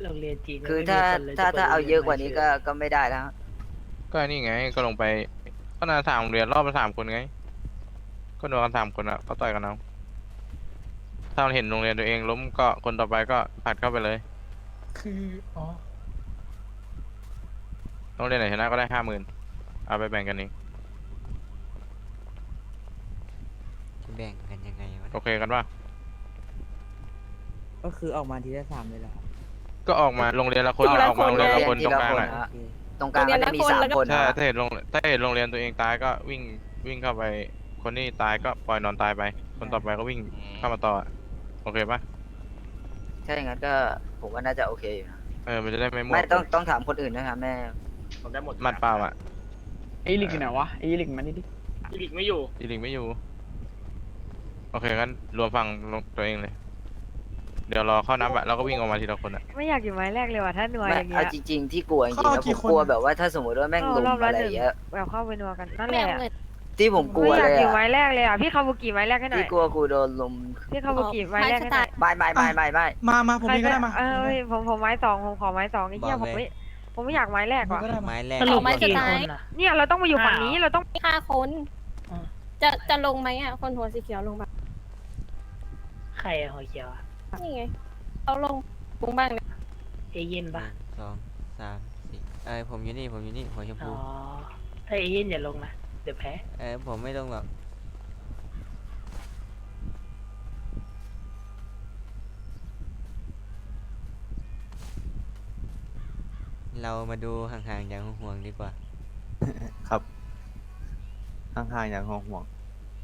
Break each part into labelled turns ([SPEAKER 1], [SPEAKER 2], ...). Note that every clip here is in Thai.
[SPEAKER 1] โรงเรียนจีน
[SPEAKER 2] คือ
[SPEAKER 1] ไม่มี
[SPEAKER 2] ถ้า
[SPEAKER 1] คนเลย
[SPEAKER 2] ถ้า
[SPEAKER 1] จะปิด
[SPEAKER 2] ถ้าเอา
[SPEAKER 1] โรง
[SPEAKER 2] เย
[SPEAKER 1] รี
[SPEAKER 2] อะ
[SPEAKER 1] น
[SPEAKER 2] กว่านี้
[SPEAKER 1] ใหม่เฉย
[SPEAKER 2] ก็ไม่ได้แล้ว
[SPEAKER 3] ก็นี่ไงก็ลงไปก็น่า3 โรงเรียนรอบละ3 คนไงก็โดนกัน3 คนอ่ะก็ต่อยกันเอาถ้ามันเห็นโรงเรียนตัวเองล้มก็คนต่อไปก็ผลัดเข้าไปเลย
[SPEAKER 1] คืออ๋อ
[SPEAKER 3] โรงเรียนไหนชนะก็ได้50,000เอาไปแบ่งกันเอง
[SPEAKER 4] จะแบ่งกันยังไงวะ
[SPEAKER 3] โอเคกันป่ะ
[SPEAKER 5] ก็คือออกมาทีละ3เลยเหรอครับ
[SPEAKER 3] ก็ออกมาโรงเรียนละคน
[SPEAKER 6] ทีละ
[SPEAKER 3] ออกมาโรงเรียนละคน
[SPEAKER 2] ที
[SPEAKER 3] ตรง
[SPEAKER 2] ละ
[SPEAKER 3] กลาง
[SPEAKER 2] คน
[SPEAKER 3] อ่ะ
[SPEAKER 2] ฮะ
[SPEAKER 5] โอเค
[SPEAKER 2] ตรงกลางก็จะมี
[SPEAKER 6] โรงเรียนละคน
[SPEAKER 2] 3 คน
[SPEAKER 3] ใช่
[SPEAKER 2] นะ
[SPEAKER 3] ถ้าเห็นโรงเรียนตัวเองตายก็วิ่งเข้าไปคนที่ตายก็ปล่อยนอนตายไป คนต่อไปก็วิ่งเข้ามาต่ออะโอเคป่ะ
[SPEAKER 2] ถ้าอย่างนั้นก็ผมว่าน่าจะโอเคอยู่นะ
[SPEAKER 3] มันจะได้ไม่มั่ว
[SPEAKER 2] ไม่ต้องถามคนอื่นนะครับแม่
[SPEAKER 7] ผมได้หมด
[SPEAKER 3] มัดเปล่าอ่ะ
[SPEAKER 8] ไอ้ลิกอยู่ไหนวะไอ้ลิกมันนี่ดิ
[SPEAKER 7] อีลิกไม่อยู่
[SPEAKER 3] อีลิงไม่อยู่โอเคงั้นรวมฝั่งตัวเองเลย เดี๋ยวรอเข้านับอะแล้วก็วิ่งออกมาทีละคนอะ
[SPEAKER 6] ไม่อยากอยู่ไม้แรกเลยว่ะถ้าหน่วย
[SPEAKER 2] ไม่
[SPEAKER 6] อย่างเงี้
[SPEAKER 2] เอา
[SPEAKER 6] ย
[SPEAKER 2] จริง ๆ ที่กลัวจริงๆนะผมกลัวแบบว่าถ้าสมมติว่าแม่งลุม
[SPEAKER 6] รอบละ
[SPEAKER 2] อะไร
[SPEAKER 6] หนึ่ง
[SPEAKER 2] เงี้ย
[SPEAKER 6] แบบเข้าไปนัวกันนั่นแหไม่ละเอาเงิน
[SPEAKER 2] ที่ผมกลัว
[SPEAKER 6] ไม่อ
[SPEAKER 2] เลย
[SPEAKER 6] ากอยู่
[SPEAKER 2] อะ
[SPEAKER 6] ไม้แรกเลยอ่ะพี่คาบุกิไม้แรกให้หน่อ
[SPEAKER 2] ที่
[SPEAKER 6] ย
[SPEAKER 2] กลัวกูโดนลุม
[SPEAKER 6] พี่คาบุกิไม้แรกให้หน่อย
[SPEAKER 2] ไม่
[SPEAKER 8] มาผมมีก็ได้มา
[SPEAKER 6] ผมไม้สองผมขอไม้สองไอ้เหี้ยผมไม่อยากไม้แรกว่ะ
[SPEAKER 8] ก็ได้มา
[SPEAKER 4] ไม้แรก
[SPEAKER 1] สรุป
[SPEAKER 6] เอาไม้
[SPEAKER 1] กี่
[SPEAKER 6] สุดท้าย
[SPEAKER 1] คนอ่ะ
[SPEAKER 6] เนี่ยเราต้องมาอยู่ฝั่งนี้เราต้อง
[SPEAKER 9] 5 คน
[SPEAKER 1] อ๋อ
[SPEAKER 9] จะลงไหมอ่ะ คนหัวสีเขียวลงมา
[SPEAKER 1] ใครอะหัวเขียวอะ
[SPEAKER 9] นี่ไงเอาลงบุ้งบ้างเลย
[SPEAKER 1] เอเย่น
[SPEAKER 4] ห
[SPEAKER 1] ปะ
[SPEAKER 4] นึ่ง2 3 4ผมอยู่นี่หัวชม
[SPEAKER 1] อ๋
[SPEAKER 4] พู
[SPEAKER 1] อถ้าเอเย่นอย่าลงนะเดี๋ยวแพ้
[SPEAKER 4] ผมไม่ต้องหรอกเรามาดูห่างๆอย่างห่วงๆดีกว่า
[SPEAKER 5] ครับห่างๆอย่างห่วง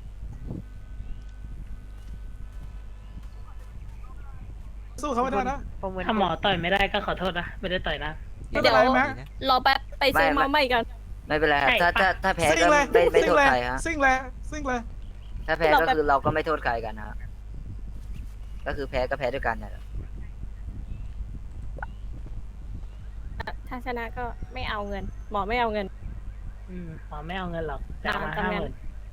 [SPEAKER 5] สู้เขาไม่ได้นะ
[SPEAKER 6] ผมเหมือน
[SPEAKER 1] ถ้าหมอต่อยไม่ได้ก็ขอโทษนะไม่ได้ต่อยนะ
[SPEAKER 8] ไม่เป็นไรไหม
[SPEAKER 9] รอแป๊บไปซื้อมาใหม่กัน
[SPEAKER 2] ไม่เป็นไรครับ
[SPEAKER 1] ใช่
[SPEAKER 2] ถ้าแพ้
[SPEAKER 8] ซิ่ง
[SPEAKER 2] ก็
[SPEAKER 8] เลย
[SPEAKER 2] ไม่
[SPEAKER 8] ซิ่
[SPEAKER 2] โท
[SPEAKER 8] ง
[SPEAKER 2] ษ
[SPEAKER 8] เลย
[SPEAKER 2] ใครฮะ
[SPEAKER 8] ซิ่งเลยซิ่งเลย
[SPEAKER 2] ถ้าแพ้ก็คือเราก็ไม่โทษใครกันฮะก็คือแพ้ก็แพ้ด้วยกันนะ
[SPEAKER 9] ถ้าชนะก็ไม่เอาเงิน หมอไม่เอาเงิน
[SPEAKER 1] หมอไม่เอาเงินหรอกจะเอามา
[SPEAKER 9] ตามนั้น
[SPEAKER 1] 50,000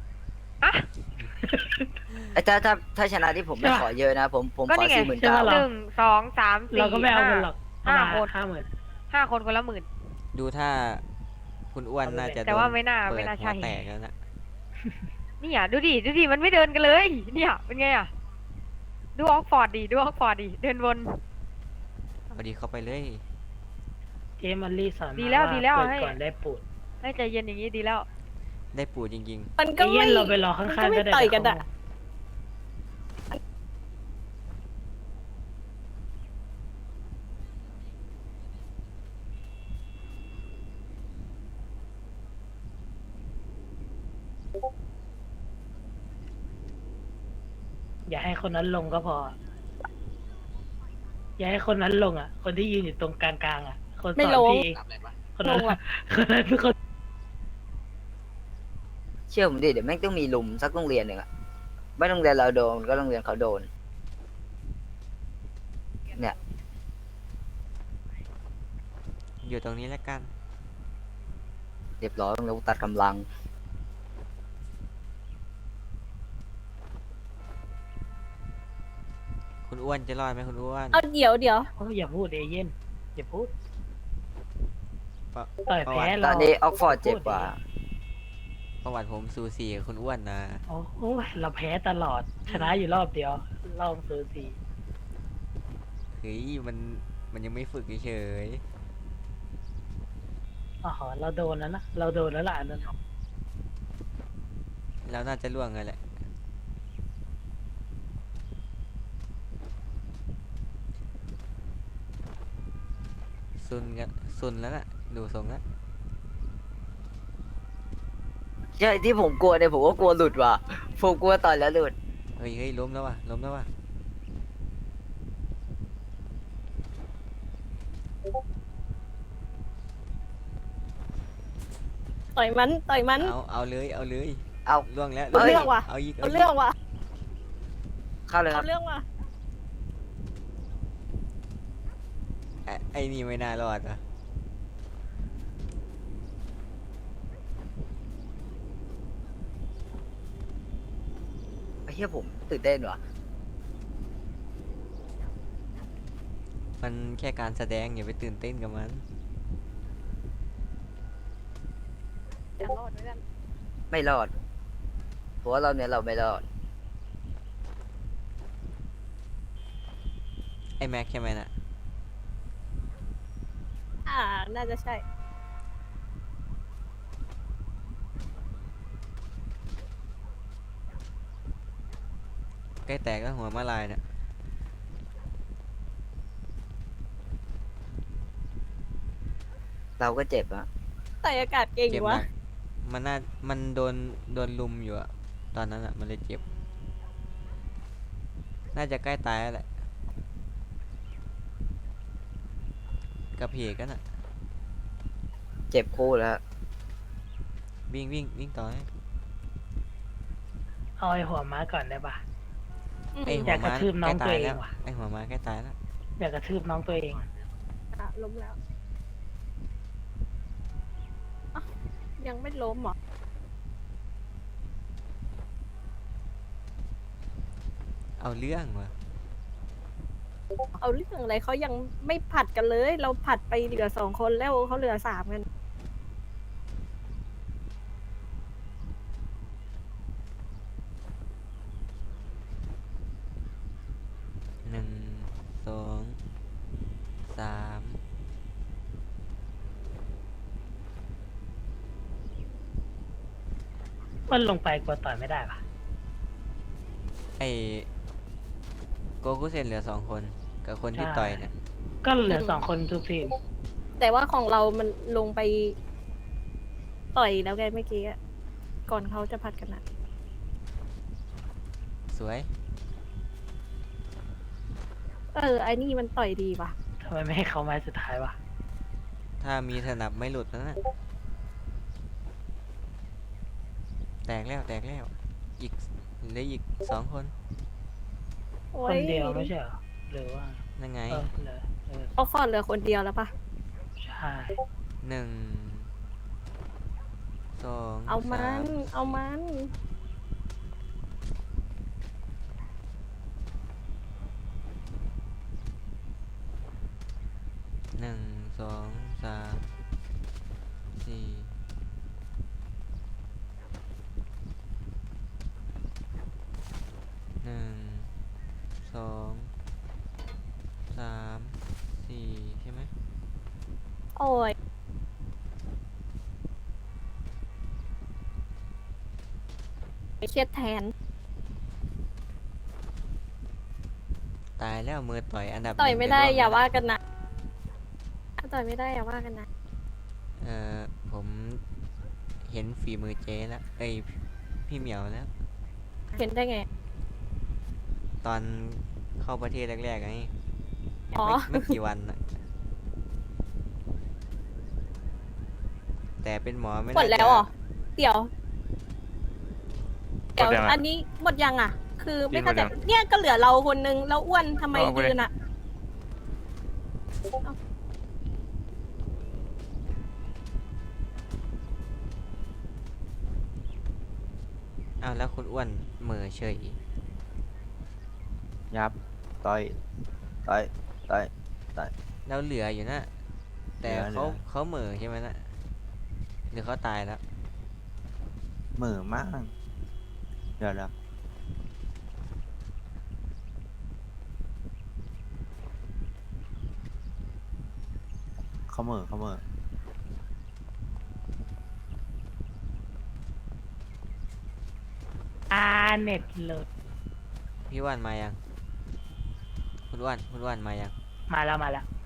[SPEAKER 2] ไอ้ถ้าชนะที่ผมไม่
[SPEAKER 1] ใช่ปะ
[SPEAKER 2] ขอเยอะนะผม
[SPEAKER 6] ก็
[SPEAKER 2] ขอ
[SPEAKER 6] นี่ไง
[SPEAKER 2] 49,000
[SPEAKER 1] ใช่ปะ
[SPEAKER 6] 1 2 3 4
[SPEAKER 1] เราก็ไม่เอาเงินหรอกเอามา
[SPEAKER 6] 5 คน
[SPEAKER 1] 50,000
[SPEAKER 6] 5 คนคนละ10,000
[SPEAKER 4] ดูถ้าคุณอ้วนน่าจะ
[SPEAKER 6] แต่ว่า
[SPEAKER 4] โด
[SPEAKER 6] ไม่น่า
[SPEAKER 4] เปิด
[SPEAKER 6] ไม่น่า
[SPEAKER 4] หั
[SPEAKER 6] ใช่
[SPEAKER 4] วแตกแล้วนะ
[SPEAKER 6] เนี่ยดูดิมันไม่เดินกันเลย เนี่ยเป็นไงอ่ะดูออกฟอร์ดดิเดินวน
[SPEAKER 4] เอาดีเข้าไปเลย
[SPEAKER 1] เจมันลี่สอนมา
[SPEAKER 6] ดีแล้ว
[SPEAKER 1] า
[SPEAKER 6] ดีแล้ว
[SPEAKER 1] เกิด
[SPEAKER 6] ให้
[SPEAKER 1] ก่อนได้ปูด
[SPEAKER 6] ให้ใจเย็นอย่างนี้ดีแล้ว
[SPEAKER 4] ได้ปูดจริง
[SPEAKER 9] มัน
[SPEAKER 1] เอ
[SPEAKER 9] ก็
[SPEAKER 1] เย่
[SPEAKER 9] ไม่
[SPEAKER 1] นเราไปรอข้างๆก็ได้
[SPEAKER 9] ต่อยกันอะ
[SPEAKER 1] อย่าให้คนนั้นลงก็พอ อย่าให้คนนั้นลงอ่ะ คนที่ยืนอยู่ตรงกลางๆอ่ะ คนส
[SPEAKER 9] ไม่
[SPEAKER 1] อน
[SPEAKER 9] ลง
[SPEAKER 1] พี่เองคนนั้น
[SPEAKER 9] ลงอะ
[SPEAKER 1] คนนั้นเป็นคน
[SPEAKER 2] เชื่อผมดิเดี๋ยวแม่งต้องมีลุมสักโรงเรียนหนึ่งอะไม่โรงเรียนเราโดนก็โรงเรียนเขาโดน เนี่ย
[SPEAKER 4] ๆ อยู่ตรงนี้แล้วกัน
[SPEAKER 2] เรียบร้อยเราตัดกำลัง
[SPEAKER 4] คุณอ้วนจะรอดไหมคุณอ้วน
[SPEAKER 9] เอาเดี๋ยว
[SPEAKER 1] โอ้ยอย่าพูดเอเย่นอย่าพูด
[SPEAKER 4] ปะ
[SPEAKER 1] ต่อยแพ้
[SPEAKER 2] ต
[SPEAKER 1] เรา
[SPEAKER 2] อนนี้ออกฟอร์ดเจ็บกว่า
[SPEAKER 4] ประวัติผมสูสีกับคุณอ้วนนะ
[SPEAKER 1] โอ้โหเราแพ้ตลอด ชนะอยู่รอบเดียว รอบสูสี
[SPEAKER 4] เฮ้ยมันยังไม่ฝึกเฉย
[SPEAKER 1] อ๋อเราโดนแล้วนะ เราโดนแล้วล่ะอันนั้น
[SPEAKER 4] ๆแล้วน่าจะล่วงเลยแหละซุนแล้วน่ะดูทรงแล้ว
[SPEAKER 2] ใช่ที่ผมกลัวเนี่ยผมก็กลัวหลุดว่ะผมกลัวต่อยแล้วหลุด
[SPEAKER 4] เฮ้ยล้มแล้วว่ะ
[SPEAKER 9] ต่อยมัน
[SPEAKER 4] เอาเลย
[SPEAKER 2] เอา
[SPEAKER 4] ล่วงแล้ว
[SPEAKER 2] เอาเรื่อง
[SPEAKER 9] ว่ะ
[SPEAKER 4] เอาอีก
[SPEAKER 9] เอาเรื่องว่ะ
[SPEAKER 2] เข้าเลยค
[SPEAKER 9] เอา
[SPEAKER 2] รับ
[SPEAKER 9] เรื่องว่ะ
[SPEAKER 4] ไอ้นี่ไม่น่ารอดอ่ะ
[SPEAKER 2] ไอ้เหี้ยผมตื่นเต้นว่ะ
[SPEAKER 4] ไฟมันแค่การแสดงอย่าไปตื่นเต้นกับมัน
[SPEAKER 9] จะรอดไหมกัน
[SPEAKER 2] ไม่รอดเพราะว่าเราเนี่ยเราไม่รอด
[SPEAKER 4] ไอ้แม็กใช่ไหมน่ะ
[SPEAKER 9] น่าจะใช่
[SPEAKER 4] ใกล้แตกแล้วหัวมาลายเนี่ย
[SPEAKER 2] เราก็เจ็บอะ
[SPEAKER 9] ใส่อากาศเก่ง
[SPEAKER 4] เจ็บห
[SPEAKER 9] วะ
[SPEAKER 4] นักมันโดนลุมอยู่อะตอนนั้นอะมันเลยเจ็บ น่าจะใกล้ตายแล้วแหละกับเพกกันอะ
[SPEAKER 2] เจ็บคู่แล้ว
[SPEAKER 4] วิ่งต่อให้
[SPEAKER 1] เอาไอ้หัวม้าก่อนได้ปะ
[SPEAKER 4] ไอ้
[SPEAKER 1] อ
[SPEAKER 4] หั
[SPEAKER 1] ยาว กกระ
[SPEAKER 4] ม้า
[SPEAKER 1] ทืบน้
[SPEAKER 4] ใก
[SPEAKER 1] อ
[SPEAKER 4] ล้
[SPEAKER 1] งตั
[SPEAKER 4] ตา
[SPEAKER 1] วย เอ
[SPEAKER 4] แล้
[SPEAKER 1] ง
[SPEAKER 4] ว
[SPEAKER 1] ว่ะ
[SPEAKER 4] ไอ้หัวม้าใกล้ตายแล้ว
[SPEAKER 1] อยากกระทืบน้องตัวเอง
[SPEAKER 9] ล้มแล้วอ้าวยังไม่ล้มเหรอ
[SPEAKER 4] เอาเรื่องว่ะ
[SPEAKER 9] เอาเรื่องอะไรเขายังไม่ผัดกันเลย เราผัดไปเหลือ2 คนแล้วเขาเหลือ3กัน
[SPEAKER 4] 1 2 3
[SPEAKER 1] มันลงไปกลัวต่อยไม่ได้ปะ
[SPEAKER 4] ไอ้โกคุเซนเหลือ2 คนกับคนที่ต่อยเนี่ย
[SPEAKER 1] ก็เหลือ2 คนทุกทีม
[SPEAKER 9] แต่ว่าของเรามันลงไปต่อยแล้วไงเมื่อกี้อะก่อนเขาจะผัดกันอะ
[SPEAKER 4] สวย
[SPEAKER 9] ไอ้นี่มันต่อยดีว่ะ
[SPEAKER 1] ทำไมไม่ให้เขาไม้สุดท้ายวะ
[SPEAKER 4] ถ้ามีสนับไม่หลุดนะแตกแล้วอีกเหลืออีก2 คน
[SPEAKER 9] โอ้
[SPEAKER 1] คน
[SPEAKER 9] ย
[SPEAKER 1] เดียวไม่ใช่เหรอหรือว่า
[SPEAKER 4] นั่นไง
[SPEAKER 1] เหลือ
[SPEAKER 9] เอาฟอร์ดเหลือคนเดียวแล้วปะ
[SPEAKER 1] ใช่
[SPEAKER 4] 1 2
[SPEAKER 9] เอามัน
[SPEAKER 4] 3
[SPEAKER 9] เอามัน
[SPEAKER 4] 1 2 3 4 1 2 3 4ใช่ไหม
[SPEAKER 9] โอ้ยเครียดแทน
[SPEAKER 4] ตายแล้วมือต่อยอันดับ
[SPEAKER 9] ต่อย
[SPEAKER 4] 1
[SPEAKER 9] ไม่ได้
[SPEAKER 4] ในโลก
[SPEAKER 9] อย่า
[SPEAKER 4] แล้ว
[SPEAKER 9] ว่ากันนะต่อยไม่ได้อย่าว่ากันนะ
[SPEAKER 4] ผมเห็นฝีมือเจ๊แล้ว เอ้ยพี่เหมียวแล้ว
[SPEAKER 9] เห็นได้ไง
[SPEAKER 4] ตอนเข้าประเทศแรกๆไง
[SPEAKER 9] อ๋อ
[SPEAKER 4] ไม่กี่วันน่ะแต่เป็นหมอไม่
[SPEAKER 9] หมด
[SPEAKER 4] น่า
[SPEAKER 9] แล้ว
[SPEAKER 4] จะ
[SPEAKER 9] เหรอ เดี๋ยว
[SPEAKER 3] หมดยังอะ
[SPEAKER 9] อันนี้หมดยังอ่ะ คือไม่
[SPEAKER 3] หม
[SPEAKER 9] เข้า
[SPEAKER 3] ด
[SPEAKER 9] ใจ
[SPEAKER 3] ยัง
[SPEAKER 9] เนี่ยก็เหลือเราคนนึงแล้วอ้วนทำไม
[SPEAKER 3] เอาไป
[SPEAKER 9] ยืนอ่ะ
[SPEAKER 4] อ้าวแล้วคุณอ้วนเหม่อเฉย
[SPEAKER 5] ยับ ต่อย ต่อย ต่อย
[SPEAKER 4] แล้วเหลืออยู่นะ แต่
[SPEAKER 5] เหลือ
[SPEAKER 4] เขาเหม่อใช่ไหมนะหรือเขาตายแล้ว
[SPEAKER 5] เหม่อมาก เดี๋ยวเขาเหม่อ
[SPEAKER 1] เน็ตโหลด
[SPEAKER 4] พี่อ้วนมายัง คุณอ้วนมายัง
[SPEAKER 1] มาแล้ว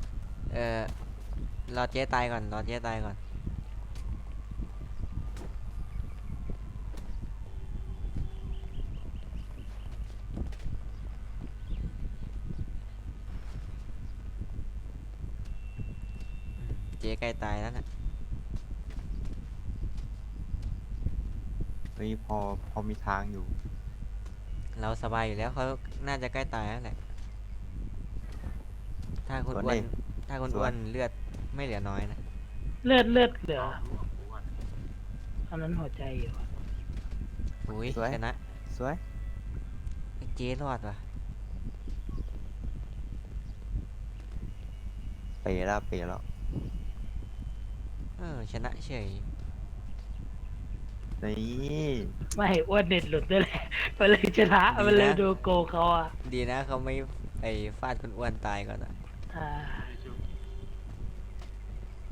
[SPEAKER 4] รอเจ๊ตายก่อน เจ๊ใกล้ตายแล้วนะ
[SPEAKER 5] เฮ้ยพอมีทางอยู่
[SPEAKER 4] เราสบายอยู่แล้วเขาน่าจะใกล้ตายแล้วแหละ ถ้าคุณ
[SPEAKER 5] สวน
[SPEAKER 4] อ้ว
[SPEAKER 5] ดิ
[SPEAKER 4] นถ้าคุณ
[SPEAKER 5] สวน
[SPEAKER 4] อ้วนเลือดไม่เหลือน้อยนะ
[SPEAKER 1] เลือดเหลืออันนั้นหัวใจอยู่
[SPEAKER 4] อุ้ย
[SPEAKER 5] สวย
[SPEAKER 4] ชนะ
[SPEAKER 5] สวย
[SPEAKER 4] เจ๊รอดว่ะ
[SPEAKER 5] เป๋แล้วเป๋แล้ว
[SPEAKER 4] ชนะเฉย
[SPEAKER 5] นี่
[SPEAKER 1] ไม่อ้วนเน็ตหลุดด้วยแหละมันเลยชนะมันเลยดูโกงเขาอ่ะ
[SPEAKER 4] ดีนะเขาไม่ไอ้ฟาดคนอ้วนตายก่อนอะ
[SPEAKER 1] อ่า